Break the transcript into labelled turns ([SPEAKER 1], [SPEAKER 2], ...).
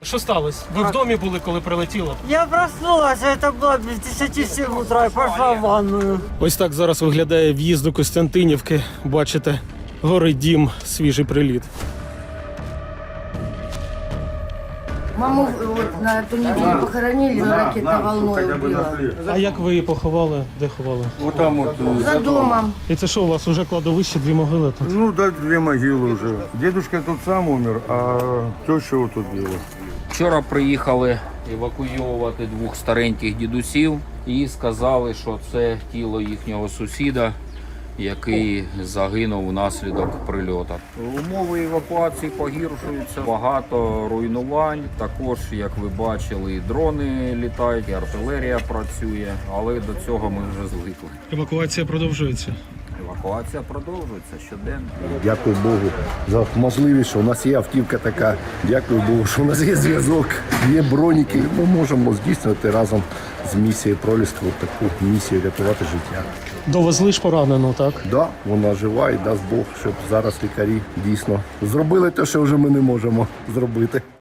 [SPEAKER 1] Що сталося? Ви в домі були, коли прилетіло?
[SPEAKER 2] Я проснулась, это было без 10 утра, и пошла в ванную.
[SPEAKER 1] Ось так зараз виглядає в'їзд до Костянтинівки. Бачите, горить дім, свіжий приліт.
[SPEAKER 3] Маму вот на эту неделю похоронили, ракетной волной убила.
[SPEAKER 1] А як ви її поховали? Де ховали?
[SPEAKER 4] Вот там вот.
[SPEAKER 3] За домом.
[SPEAKER 1] І це що, у вас уже кладовище, дві могили тут?
[SPEAKER 4] Ну да, 2 могилы уже. Дедушка тут сам умер, а теща вот тут была.
[SPEAKER 5] Вчора приїхали евакуйовувати 2 стареньких дідусів і сказали, що це тіло їхнього сусіда, який загинув внаслідок прильоту. Умови евакуації погіршуються, багато руйнувань. Також, як ви бачили, і дрони літають, і артилерія працює, але до цього ми вже звикли.
[SPEAKER 1] Евакуація продовжується.
[SPEAKER 5] Евакуація продовжується щоденно.
[SPEAKER 6] Дякую Богу за можливість, що у нас є автівка така. Дякую Богу, що у нас є зв'язок, є броніки. Ми можемо здійснювати разом з місією Проліска таку місію рятувати життя.
[SPEAKER 1] Довезли ж поранену, так?
[SPEAKER 6] Да, вона жива і дасть Бог, щоб зараз лікарі дійсно зробили те, що вже ми не можемо зробити.